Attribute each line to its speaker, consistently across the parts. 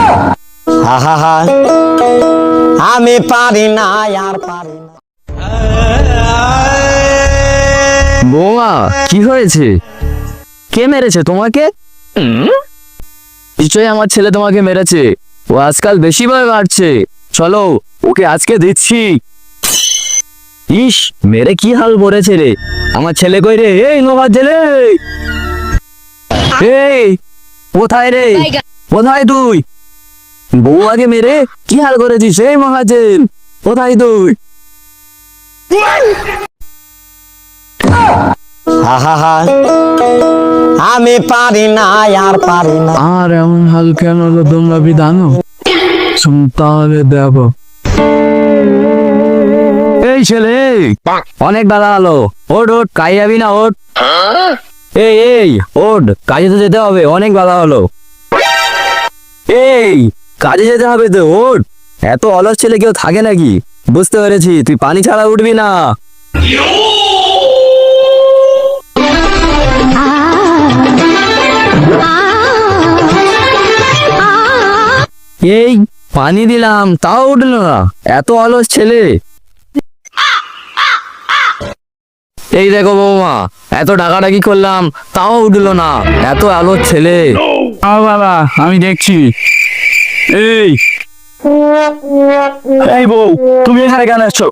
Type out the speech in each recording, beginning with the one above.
Speaker 1: আহা আমি পারি না আর পারি না।
Speaker 2: বৌমা কি হয়েছে? কে মেরেছে তোমাকে? নিশ্চয়ই আমার ছেলে তোমাকে মেরেছে। ও আজকাল বেশি ভয় বাড়ছে। চলো ওকে আজকে দিচ্ছি। ইস, মেরে কি হাল করেছে রে আমার ছেলে। কই রে এই নোভার ছেলে, এই কোথায় রে? কোথায় তুই? বৌমাকে মেরে কি হাল করেছিস এই মহাজেন? কোথায় তুই?
Speaker 1: আহা আমি পারি না আর পারি না।
Speaker 2: আর এমন হাল কেন হলো তোমরা বিধানো? তাহলে দেখো। এই ছেলে অনেক বেলা হলো, ওঠ ওঠ, কাজ যাবি না? ওঠ, এই ওঠ, কাজে তো যেতে হবে, অনেক বেলা হলো। এই কাজে যেতে হবে তো, ওঠ। এত অলস ছেলে কেউ থাকে নাকি? বুঝতে পেরেছি, তুই পানি ছাড়া উঠবি না। এই পানি দিলাম তাও উঠলো না, এত অলস ছেলে। এই দেখো বৌমা, এত ডাকাডাকি করলাম তাও উঠলো না, এত অলস ছেলে। বাবা আমি দেখছি। এই বউ, তুমি এখানে কেন এসছো?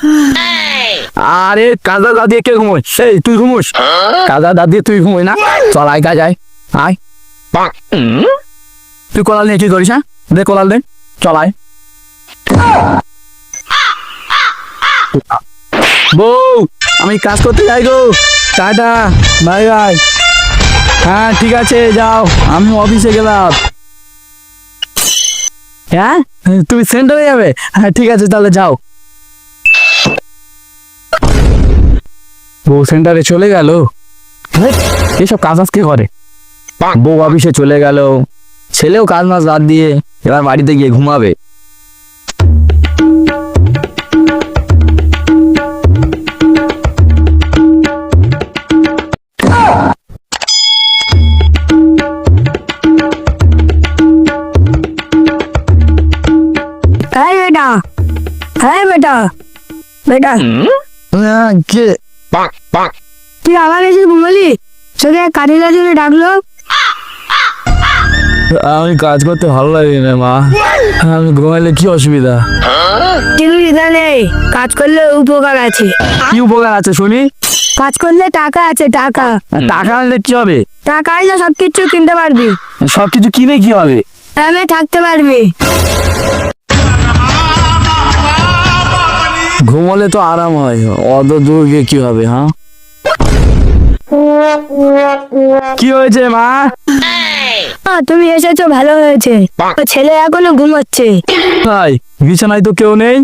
Speaker 2: আরে কাদা দা দিয়ে কে ঘুমোয়? সেই তুই ঘুমোস? কাদা দা দিয়ে তুই ঘুমোয় না? চল আয় কাজ আয় আয়। তুই কোলাল নিয়ে কি করিস? হ্যাঁ দে কোলাল দে, চল আয়। বউ আমি কাজ করতে যাই গো, টাটা বাই বাই। হ্যাঁ ঠিক আছে যাও, আমি অফিসে গেলাম। হ্যাঁ তুমি সেন্টারে যাবে? হ্যাঁ ঠিক আছে তাহলে যাও। বউ সেন্টারে চলে গেল। এসব কাজ আজকে করে। বউ অফিসে চলে গেল, ছেলেও কাজ মাস বাদ দিয়ে এবার বাড়িতে গিয়ে ঘুমাবে।
Speaker 3: বেটা, হ্যাঁ বেটা, বেটা
Speaker 2: কে?
Speaker 3: তুই আবার এসে ঘুমালি? তোকে কাজের জন্য ডাকলো।
Speaker 2: আমি কাজ করতে ভালো লাগে না মা, আমি ঘুমাইলে কি অসুবিধা?
Speaker 3: চিন্তা নেই, কাজ করলে উপকার আছে।
Speaker 2: কি উপকার আছে শুনি?
Speaker 3: কাজ করলে টাকা আছে, টাকা।
Speaker 2: টাকা আনলে কি হবে?
Speaker 3: টাকা আনলে সবকিছু কিনতে পারবি,
Speaker 2: সবকিছু কিনে কি হবে?
Speaker 3: আমি থাকতে পারবি।
Speaker 2: ঘুমলে তো আরাম হয়, অত দূর গিয়ে কি হবে? হ্যাঁ কি হয়েছে মা?
Speaker 3: তুমি এসেছো ভালো হয়েছে, ছেলে এখনো ঘুমাচ্ছে।
Speaker 2: ভাই বিছানায় তো কেউ নেই।